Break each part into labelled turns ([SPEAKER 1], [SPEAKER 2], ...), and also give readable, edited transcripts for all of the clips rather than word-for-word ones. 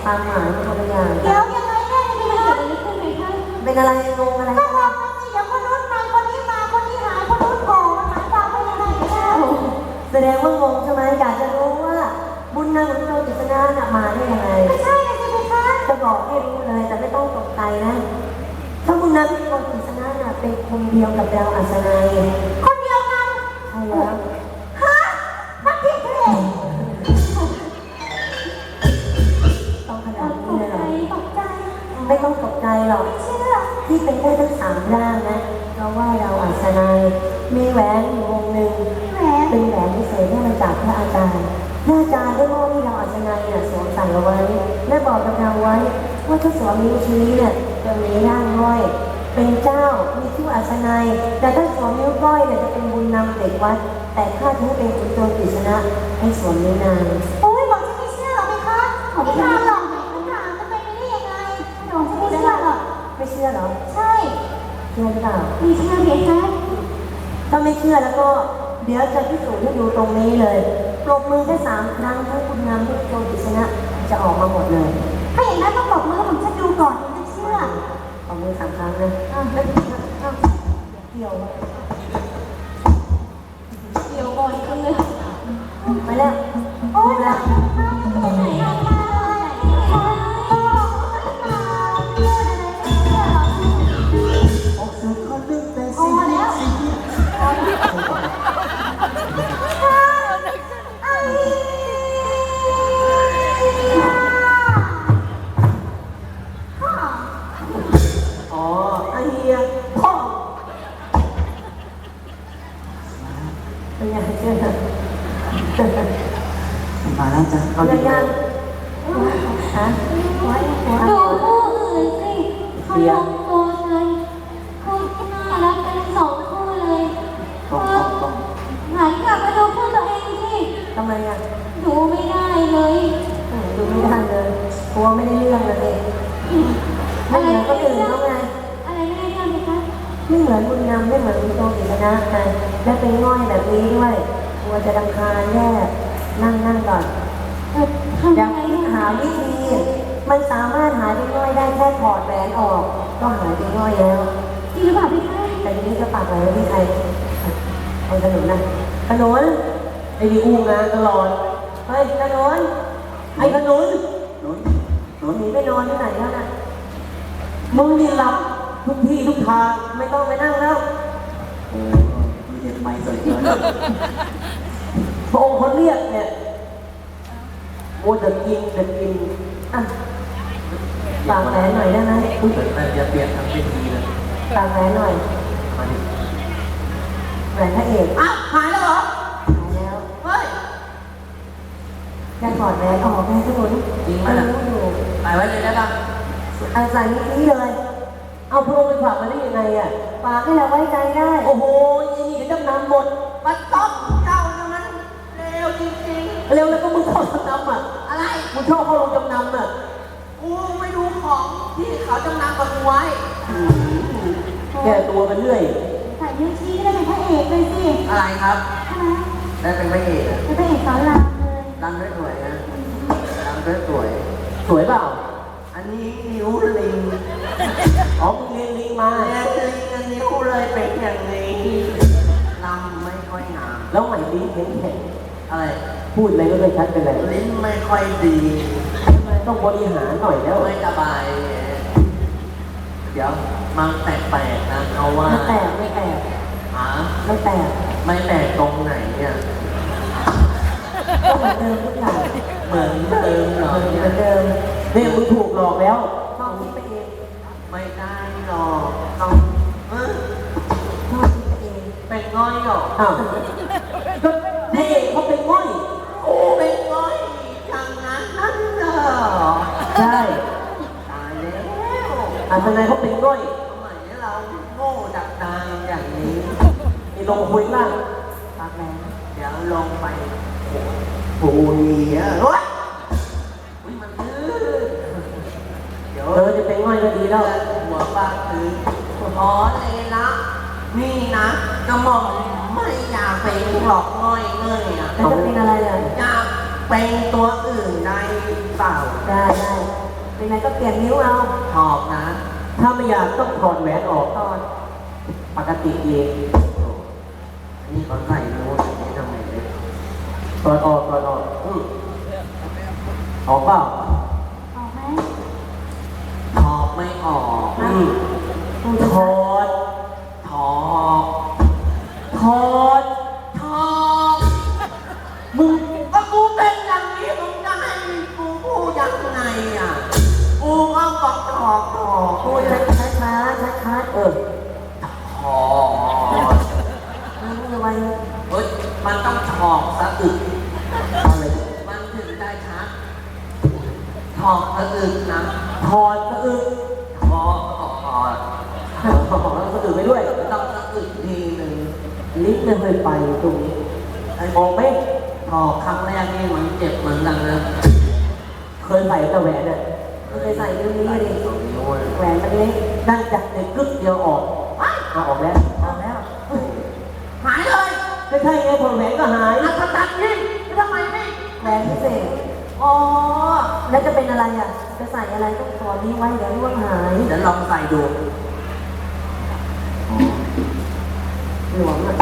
[SPEAKER 1] ความหมายมันคนละอย่าง
[SPEAKER 2] เดี๋ยวยังไงแม่จะไปเกิดอะไรขึ้นไหมคะ
[SPEAKER 1] เป็นอะไรงงอะไร
[SPEAKER 2] ก็บอกมันสิเดี๋ยวคนนู้นไปคนนี้มาคนนี้หายคนนู้นโผล่มันหมายความว่ายังไงกันแน่
[SPEAKER 1] แสดงว่างงใช่ไหมอยากจะรู้ว่าบุญนางของโจกิษณะน่ะมาได้ยังไง
[SPEAKER 2] ไม่ใช่เลยสิคะ
[SPEAKER 1] จะบอกให้รู้เลยแต่ไม่ต้องตกใจนะถ้าบุญนางของโจกิษณะน่ะเป็นคนเดียวกับดาวอัศนัย
[SPEAKER 2] คนเดียวกัน
[SPEAKER 1] ใช่แล้ว
[SPEAKER 2] ฮะนักพี่เพลง
[SPEAKER 1] ต้องขนาดนี้เลยเหรอ
[SPEAKER 2] ตกใจ
[SPEAKER 1] ไม่ต้องตกใจหรอก
[SPEAKER 2] ไม่เชื่อ
[SPEAKER 1] ที่เป็นได้ทั้ง3 ร่างนะเพราะว่าดาวอัศนัยมีแหวนอยู่วงหนึ่ง
[SPEAKER 2] แหม
[SPEAKER 1] เป็นแหวนพิเศษที่มาจากพระอาจารย์พระอาจารย์ได้มอบให้เราอัศนัยเนี่ยสวมใส่เอาไว้และบอกกับเราไว้ว่าถ้าสวมนิ้วชี้เนี่ยจะมีร่างห้อยเป็นเจ้ามีชื่ออัศนัยแต่ถ้าสวมนิ้วก้อยเนี่ยจะเป็นบุญนำเด็กวัดแต่ข้าจะให้เป็นคุณโจรกฤษณะให้สวมนิ้วนาง
[SPEAKER 2] โอ้ยบอกจะไม่เชื่อหรอไหมคะไม่ทำหรอกไม่ถามจะไปไม่ได้ยังไงหนูจะไม่เชื่อหรอก
[SPEAKER 1] ไม่เชื่อเหรอ
[SPEAKER 2] ใช่
[SPEAKER 1] เชื่อหรือเปล่า
[SPEAKER 2] มีเชื่อเพียงแค่
[SPEAKER 1] ถ้าไม่เชื่อแล้วก็เดี๋ยวจะพิสูจน์ให้ดูตรงนี้เลยปรบมือแค่3 ครั้งทั้งคุณงามทั้งโจรกฤษณะจะออกมาหมดเลย
[SPEAKER 2] ถ้าอย่างนั้นต้องบอกมือผมจะดูก่อนถึงจะเชื่อ
[SPEAKER 1] ปรบมือ3 ครั้งนะแล้วเกี่ยว
[SPEAKER 2] เดี๋ยวก่อนกันเลย
[SPEAKER 1] ไปแล้ว
[SPEAKER 2] โอ้ย
[SPEAKER 1] แล้ว
[SPEAKER 2] มาอยู่ตรงไหนอ่ะมาเลยก็มาเชื่ออะไรไม่เชื่อหรอก
[SPEAKER 3] ออกสื่อคนลึกแต่
[SPEAKER 2] พอ
[SPEAKER 3] สิ่ง
[SPEAKER 2] แล้ว
[SPEAKER 3] สิ่งที่
[SPEAKER 2] ไอ้
[SPEAKER 1] อ๋อไอเฮียพ่อเป็นยังไงเชื่อ
[SPEAKER 3] มาแล้วจ้ะเอา
[SPEAKER 1] เรื่
[SPEAKER 3] ดี
[SPEAKER 1] องยังฮะ
[SPEAKER 2] ดูคู่อื่นสิเขาลงตัวกันคู่ที่น่ารักกัน2 คู่เลย
[SPEAKER 3] ตรงตรง
[SPEAKER 2] หันกลับมาดูคู่ตัวเองสิ
[SPEAKER 1] ทำไมอ่ะ
[SPEAKER 2] ดูไม่ได้เลย
[SPEAKER 1] ดูไม่ได้เลยกลัวไม่ได้เรื่องเลยไม่เหมือนก็อื่นเขาไง
[SPEAKER 2] อะไรไม่ได้เรื่องไหมคะ
[SPEAKER 1] ไม่เหมือนบุญนำไม่เหมือนบุญโตกิษณะไงและเป็นง่อยแบบนี้ด้วยกลัวจะรำคาญแย่นั่งก่อน
[SPEAKER 2] ทำ
[SPEAKER 1] อ
[SPEAKER 2] ยั
[SPEAKER 1] ยาง ก
[SPEAKER 2] ไง
[SPEAKER 1] คิดหาวิธี มันสามารถหายเป็นง่อยได้แค่ถอดแหวนออก ก็หายเป็นง่อยแล้ว
[SPEAKER 2] จริงหรือเปล่าพี่คะ
[SPEAKER 1] แต่ทีนี้ก็ปากไว้ที่ใครเอาขนุนนะขนุนไอ้ดีอู้งานตลอดเฮ้ยขนุนไอ้ขนุน
[SPEAKER 3] หนุนหนุน
[SPEAKER 1] หนีไปนอนที่ไหนแล้วนะมึงนี่หลับทุกที่ทุกทางไม่ต้องไปนั่งแล้ว
[SPEAKER 3] โอ้มีเด็กใหม่สวยเกิน
[SPEAKER 1] พระองค์เขาเรียกเนี่ยโอ้จะกินอ่ะปากแหวนหน่อยได้ไหม
[SPEAKER 3] พูดถึงแต่จะเปลี่ยนทางเป็นดีเลย
[SPEAKER 1] ปากแหวนหน่อย
[SPEAKER 3] มาดิ
[SPEAKER 1] แหวนพระเอก
[SPEAKER 3] อ่ะหายแล้วเหรอ
[SPEAKER 1] หายแล้ว
[SPEAKER 3] เฮ้ย
[SPEAKER 1] แค่ถอดแหวนออกแม่ขนุน
[SPEAKER 3] จริงไหมล่ะ
[SPEAKER 1] รู้อยู่
[SPEAKER 3] หายไว้เลยได้ปะ
[SPEAKER 1] อาศัยนี้เลย เอาพระองค์ไปฝากมาได้ยังไงอ่ะฝากให้เราไว้ใจได้
[SPEAKER 3] โอ้โหยี่นี่เดี๋ยวจำนำหมดมันต้องเจ้านะมันเร็วจริง
[SPEAKER 1] เร็วแล้วก็มึงเข้าจำนำอ่ะ
[SPEAKER 3] ๆ อะไร
[SPEAKER 1] มึงชอบเข้าโรงจำนำอ่ะ
[SPEAKER 3] กูไม่ดูของที่เขาจำนำกับกูไว้
[SPEAKER 1] แก้ตัวไปเรื่อย
[SPEAKER 2] ใส่นิ้วชี้ก็ได้เป็นพระเอกเลยสิ
[SPEAKER 3] อะไรครับ
[SPEAKER 2] ใช่ไหม
[SPEAKER 3] ได้เป็นพระเอกอะ
[SPEAKER 2] เป็นพระเอกสอนรามเลย
[SPEAKER 3] รำได้สวยนะรำได้สวย
[SPEAKER 1] สวยเปล่า
[SPEAKER 3] อันนี้นิ้วลิง
[SPEAKER 1] อ๋อมึงเรียนลิงมา
[SPEAKER 3] เรียนลิงอันนิ้วเลยเป็นอย่างนี้ลำไม่ค่อยงาม
[SPEAKER 1] แล้วใหม่ลิ้นแข็ง
[SPEAKER 3] อะไร
[SPEAKER 1] ๆพูดอะไรก็ไม่ชัดเป็นไร
[SPEAKER 3] ลิ้นไม่ค่อยดี
[SPEAKER 1] ต้องบริหารหน่อยแล้ว
[SPEAKER 3] ไม่สบาย เดี๋ยวมันแปลกๆนะเอาว่า
[SPEAKER 1] ไม่แตกไม่แตก
[SPEAKER 3] หา
[SPEAKER 1] ไม่แตก
[SPEAKER 3] ไม่แปลกตรงไหนเนี่ย
[SPEAKER 1] ก็เหมือนเดิมทุกอย่าง
[SPEAKER 3] เหมือนเดิมเหรอ
[SPEAKER 1] เห
[SPEAKER 3] เนี่
[SPEAKER 1] มือนเดิมเนี่ยมึงถูกหลอกแล้วต้องคิดไปเอง
[SPEAKER 3] ไม่ได้หรอกต้องเออ
[SPEAKER 1] ต้องคิดไปเอง
[SPEAKER 3] เป็นง่อยหรอก
[SPEAKER 1] อ้าวก็พระเอกเขาเป็นง่อย
[SPEAKER 3] โอ้เป็นง่อยอย่างนั้นนั่นเหรอ
[SPEAKER 1] ใช่
[SPEAKER 3] ตายแล้ว
[SPEAKER 1] อาทนายเขาเป็นง่อย
[SPEAKER 3] ทำไมเราโง่ดักดานอย่างนี้
[SPEAKER 1] นี่ลงคุยล่างปากแรง
[SPEAKER 3] เดี๋ยวลงไปโอ้ยเฮ้ยอุ๊ยมันลื่นเดี๋ยว
[SPEAKER 1] จะเป็นง่อยก็ดีแล้ว
[SPEAKER 3] หัวปากคือขอเลยนะนี่นะกระหม่อมไม่อยากเป็นหลอกง่อยเงยอ่ะ
[SPEAKER 1] แล้วจะเป็นอะไรอ่ะ
[SPEAKER 3] อยากเป็นตัวอื่นได้เปล่า
[SPEAKER 1] ได้เป็นไงก็เปลี่ยนนิ้วเอา
[SPEAKER 3] ชอบนะ ถ้าไม่อยากต้องถอดแหวนออก
[SPEAKER 1] ตอน
[SPEAKER 3] ปกติเองนี่เขาใส่รู้นี่ทำไมเลยถอดออกออกออกเปล่า
[SPEAKER 2] ออกไหม
[SPEAKER 3] ถอดไม่ออก
[SPEAKER 1] กูจะ
[SPEAKER 3] ถอดถอดถอดถอดมึงก็กูเป็นอย่างนี้มึงจะให้กูพูดยังไงอ่ะกูก็บอกถอดถอด
[SPEAKER 1] กูจะช้าช้า
[SPEAKER 3] ถอด
[SPEAKER 1] มึงจะไป
[SPEAKER 3] เฮ้ยมันต้องถอดสะอึกอะไรมันถึงได้ชัดถอดสะอึกนะถอดสะอึกถอดแล้วสะอึกไปด้วยต้องสะอึกทีหนึ่งลิ้นไม่เคยไปตรงนี้มองไหมถอดครั้งแรกนี่มันเจ็บเหมือนกันนะเคยใส่กระแหวนอ่ะ
[SPEAKER 1] มึงไปใส่นิ้วนี้ดิ
[SPEAKER 3] นิ้ว
[SPEAKER 1] แหวนมันเล็ก
[SPEAKER 3] นั่งจับในกึ๊กเดียวออกเอาออกแล้ว
[SPEAKER 1] ออกแล้ว
[SPEAKER 3] หายเลยไม่ใช่ไงพอแหวนก็หายอัศจรรย์นี่ทำไมไม่
[SPEAKER 1] แหวนพิเศษ
[SPEAKER 3] อ๋อ
[SPEAKER 1] แล้วจะเป็นอะไรอ่ะ จะใส่อะไรต้องถอดนี้ไว้เดี๋ยวร่วงหาย
[SPEAKER 3] เดี๋ยวลองใส่ดู
[SPEAKER 1] หลวมอ่ะ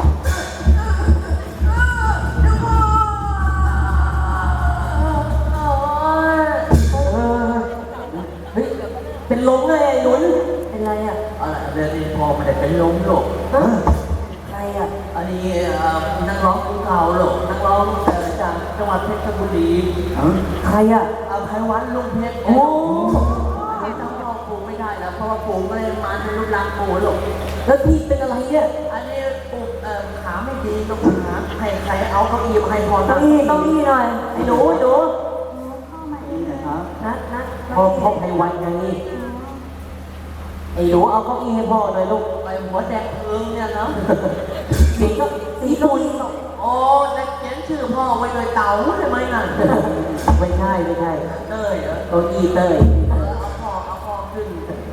[SPEAKER 3] เฮ้ยเป็นลมเลยไอ้หนุน
[SPEAKER 1] เป็นไรอ่ะ
[SPEAKER 3] อะไรเดี๋ยวนี้พอไม่ได้เป็นลมหรอก
[SPEAKER 1] ใครอ่ะ
[SPEAKER 3] อันนี้นักร้องภูเขาหรอกนักร้องจากจังหวัดเพชรบุรี
[SPEAKER 1] ใครอ่ะ
[SPEAKER 3] ไพวันลุงเพชร
[SPEAKER 1] โอ้
[SPEAKER 3] ไม่ต้องบอกปู่ไม่ได้แล้วเพราะว่าปู่ไม่ได้มาในรูปร่างปู่หรอก
[SPEAKER 1] แล้วพี่เป็นอะไรเนี่ย
[SPEAKER 3] อันนี้ปู่ขาไม่ดีต้องหาใครเอาเก้าอี้มาให้พอ
[SPEAKER 1] เก้าอี้หน่อยไอ้หนู
[SPEAKER 2] เข้ามาเองเลย
[SPEAKER 1] นัด
[SPEAKER 3] พ่อไพวันไงไอ้หนูเอาเก้าอี้ให้พ่อหน่อยลูกไปหัวแดงเอิงเนี่ยเนาะ
[SPEAKER 1] สีก็สีเก้าอี้
[SPEAKER 3] โอ้ได้เขียนชื่อพ่อไว้เลยเต๋าใช่ไหมนั่นไม่ใช่เต้ยเหรอเก้าอี้เต้ยเอาพ่อขึ้น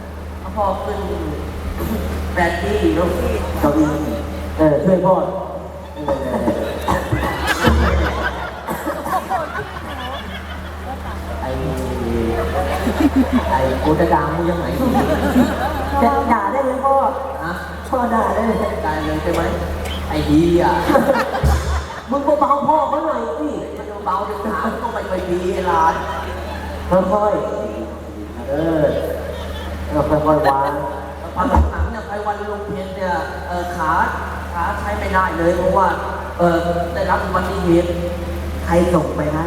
[SPEAKER 3] แบตตี้ลูกเก้าอี้ช่วยพ่อไอ้กูจะด่ามึงยังไง
[SPEAKER 1] จะด่าได้ไหมพ่อ
[SPEAKER 3] ฮะ
[SPEAKER 1] พ่อด่าได้เลย
[SPEAKER 3] ได้เลยใช่ไหมไอ้ดีอ่ะ
[SPEAKER 1] มึงเบาๆพ่อเขาหน่อยสิ
[SPEAKER 3] มันเบาจะถามต้องไปดีไอ้หลาน
[SPEAKER 1] ค่อยค่อยวาง
[SPEAKER 3] พอหลังๆเนี่ยไปวันลุงเพชรเนี่ยขาใช้ไม่ได้เลยเพราะว่าได้รับอุบัติเหตุใครส่งไปให้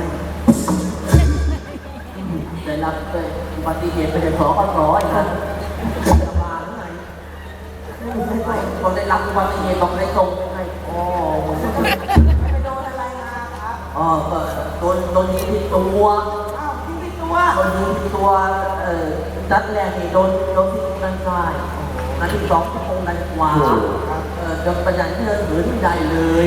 [SPEAKER 3] ได้รับอุบัติเหตุไปในสอก็ร้อยนะจะมาหรือไงพอได้รับอุบัติเหตุต้องได้ส่งไปให้อ๋อไปโดนอะไรมาครับอ๋อโดนยิงที่ตัวอ้าวยิงที่ตัวโดนยิงที่ตัวนัดแรกนี่โดนที่ด้านซ้ายนัดที่สองที่ตรงด้านขวาจนประหยัดที่เราถือที่ใดเลย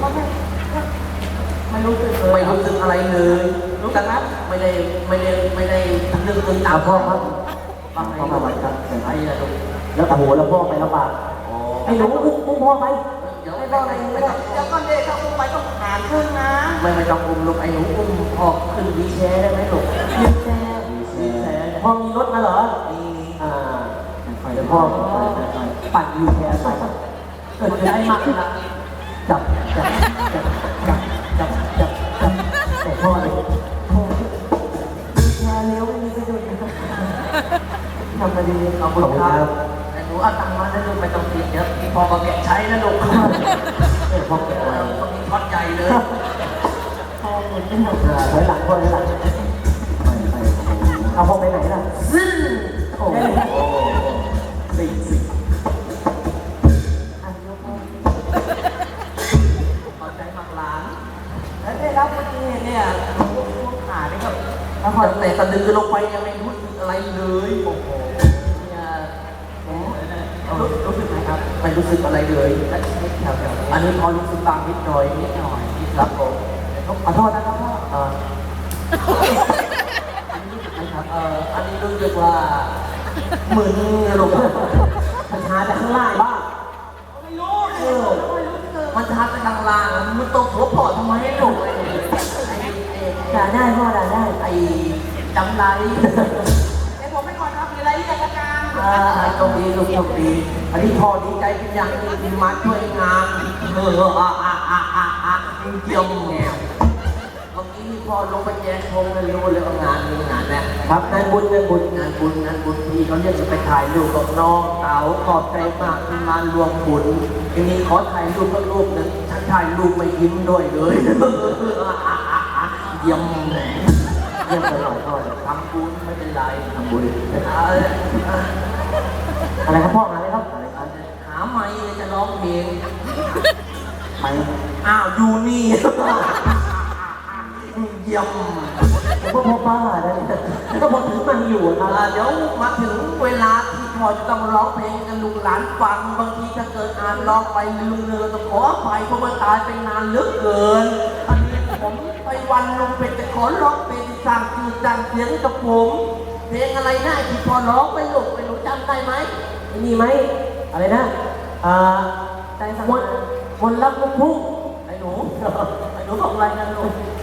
[SPEAKER 3] ไม่รู้สึกอะไรเลยรู้จักนะไม่ได้นึกถึงตามพ่อครับฟังให้มาไว้ครับไอ้ละลูกแล้วโอ้โหแล้วพ่อไปแล้วป่ะไอ้หนูอุ้มพ่อไปไม่ต้องไม่ต้องเดี๋ยวก่อนเด็กถ้าอุ้มไปต้องหารครึ่งนะไม่ต้องอุ้มลูกไอ้หนูอุ้มพ่อขึ้นวีแชร์ได้ไหมลูกวีแชร์พ่อมีรถมาเหรอมีเดี๋ยวพ่อปั่นวีแชร์ไปเกิดอะไรมากนะจับแต่พ่อเลย
[SPEAKER 1] แชร์เร็วไม่มีกระดุมทำมาดี
[SPEAKER 3] ขอบคุณครับแต่หนูเอาตังค์มาแล้วลูกไม่ต้องติดเดี๋ยวพ่อก็เก็บใช้นะลูกพ่อเก็บไว้ต้องมีทอดใหญ่เลย
[SPEAKER 1] พอหมดไม่หมด
[SPEAKER 3] ถอยหลังพ่อถอยหลังเอาพ่อไปไหนล่ะโอ้โหสิ
[SPEAKER 1] อันยกมือ
[SPEAKER 3] ขอบใจมากหลานแล้วได้รับอุบัติเหตุเนี่ยขาเนี่ยครับแล้วพอแต่สะดือลงไปยังไม่รู้สึกอะไรเลยโอ้โหเนี่ยรู้สึกไหมครับไม่รู้สึกอะไรเลยอันนี้พอรู้สึกบางนิดหน่อยครับผมขอโทษนะครับพ่ออันนี้รู้สึกไหมครับอันนี้รู้สึกว่ามึนลงมันชาจากข้างล่างบ้างไม่รู้มันชาจากข้างล่างมันตกหัวปอดทำไมให้หลงไอ้
[SPEAKER 1] ด่าได้พ่อด่าได้
[SPEAKER 3] ไอ้จำไรโชคดีลูกโชคดีอันนี้พ่อดีใจเป็นอย่างยิ่งที่มาช่วยงานเยี่ยมแง่เมื่อกี้พ่อลงไปแจกธงเลยรู้เลยว่างานนี้งานนะครับงานบุญพี่เขาเรียกจะไปถ่ายรูปกับน้องเต๋าขอบใจมากที่มารวมบุญทีนี้ขอถ่ายรูปกับรูปหนึ่งฉันถ่ายรูปไม่ยิ้มด้วยเลยเยี่ยมเยี่ยมตลอดพ่อทำบุญไม่เป็นไรทำบุญอะไรครับพ่ออะไรครับหาไมค์จะร้องเพลงไมค์อ้าวอยู่นี่เยี่ยมผมก็พ่อป้าได้ก็พอถึงมันอยู่เดี๋ยวมาถึงเวลาที่พ่อจะต้องร้องเพลงกันลูกหลานฟังบางทีถ้าเกิดอ่านร้องไปลืมเนื้อต้องขออภัยเพราะมันตายไปนานเหลือเกินอันนี้ผมไปวันลงเป็นจะขอร้องเพลงสร้างชื่อสร้างเสียงกับผมเพลงอะไรได้ที่พอร้องไปลูกไปหนูจำได้ไหมมีไหมอะไรนะใจสังวนรักลูกทุ่งไอ้หนูบอกอะไรนะลูก